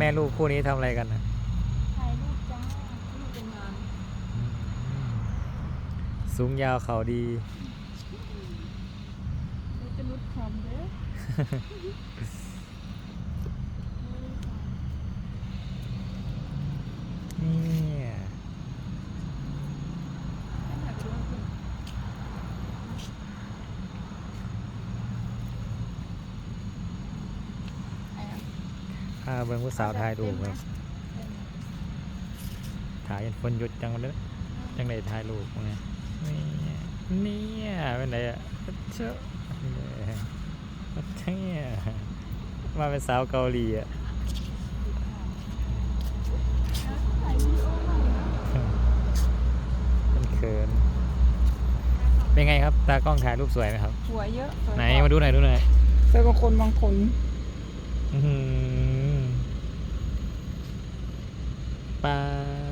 ม่ลูกคู่นี้ทำอะไรกันนะถ่ายรูปจ้ารูปเป็นงานสูงยาวเขาดีเราจะลดความเด้อเนี่ยถ่ายไปด้วยคุณไอ้อะพาเบิ่งผู้สาวถ่ายรูปครับถ่ายยันคนหยุดจังเลยจังเลยถ่ายรูปไงเนี่ยเป็นไรอ่ะเจ้าเนี่ยมาเป็นสาวเกาหลีอ่ะถ่ายวีดีโอหน่อยนะเป็นเขินเป็นไงครับตากล้องถ่ายรูปสวยไหมครับหัวเยอะสวยไหนกว่มาดูหน่อยดูหน่อยสวยกว่าคนบางคนอื้อหือปลา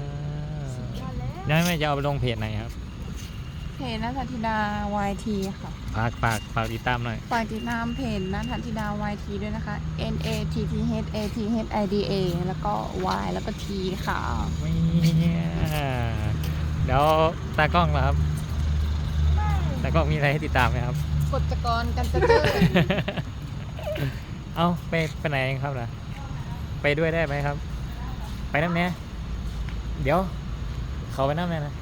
ยังไม่จะเอาไปลงเพจไหนครับเพจนัทธิดา YT ค่ะฝากติดตามหน่อยฝากติดตามเพจนัทธิดา YT ด้วยนะคะ NATTHATHIDA แล้วก็ Y แล้วก็ T ค่ะเนี่ยเดี๋ยวตากล้องเหรอครับตากล้องมีอะไรให้ติดตามไหมครับกฎจกรกันจะเจอเอาไปไหนครับล่ะไปด้วยได้ไหมครับ ไปน้ำเนี้ยเดี๋ยวเขาไปน้ำเนี้ยนะ